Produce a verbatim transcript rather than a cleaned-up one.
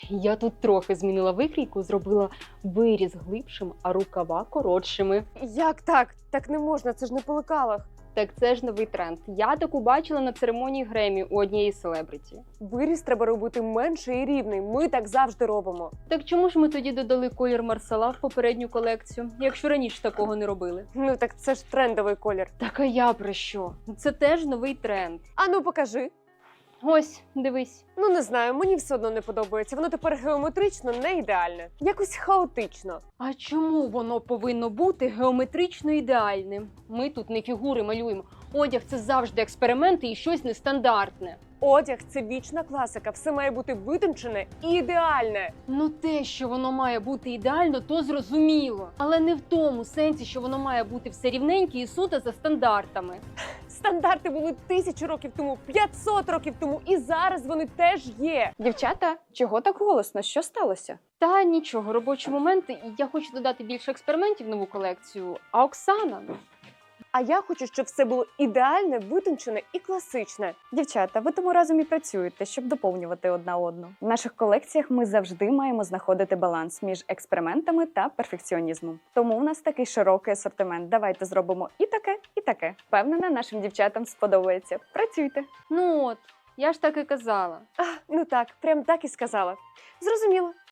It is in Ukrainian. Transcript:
Я тут трохи змінила викрійку, зробила виріз глибшим, а рукава коротшими. Як так? Так не можна, це ж не по лекалах. Так це ж новий тренд. Я таку бачила на церемонії Гремі у однієї селебриті. Виріз треба робити менший і рівний. Ми так завжди робимо. Так чому ж ми тоді додали колір Марсала в попередню колекцію, якщо раніше такого не робили? Ну так це ж трендовий колір. Так а я про що? Це теж новий тренд. А ну покажи. Ось, дивись. Ну не знаю, мені все одно не подобається. Воно тепер геометрично не ідеальне. Якось хаотично. А чому воно повинно бути геометрично ідеальним? Ми тут не фігури малюємо. Одяг – це завжди експерименти і щось нестандартне. Одяг це вічна класика. Все має бути витончене і ідеальне. Ну те, що воно має бути ідеально, то зрозуміло. Але не в тому сенсі, що воно має бути все рівненьке і суто за стандартами. Стандарти були тисячу років тому, п'ятсот років тому, і зараз вони теж є. Дівчата, чого так голосно? Що сталося? Та нічого, робочі моменти. І я хочу додати більше експериментів в нову колекцію. А Оксана? А я хочу, щоб все було ідеальне, витончене і класичне. Дівчата, ви тому разом і працюєте, щоб доповнювати одна одну. В наших колекціях ми завжди маємо знаходити баланс між експериментами та перфекціонізмом. Тому у нас такий широкий асортимент. Давайте зробимо і таке, і таке. Впевнена, нашим дівчатам сподобається. Працюйте. Ну от, я ж так і казала. А, ну так, прям так і сказала. Зрозуміло.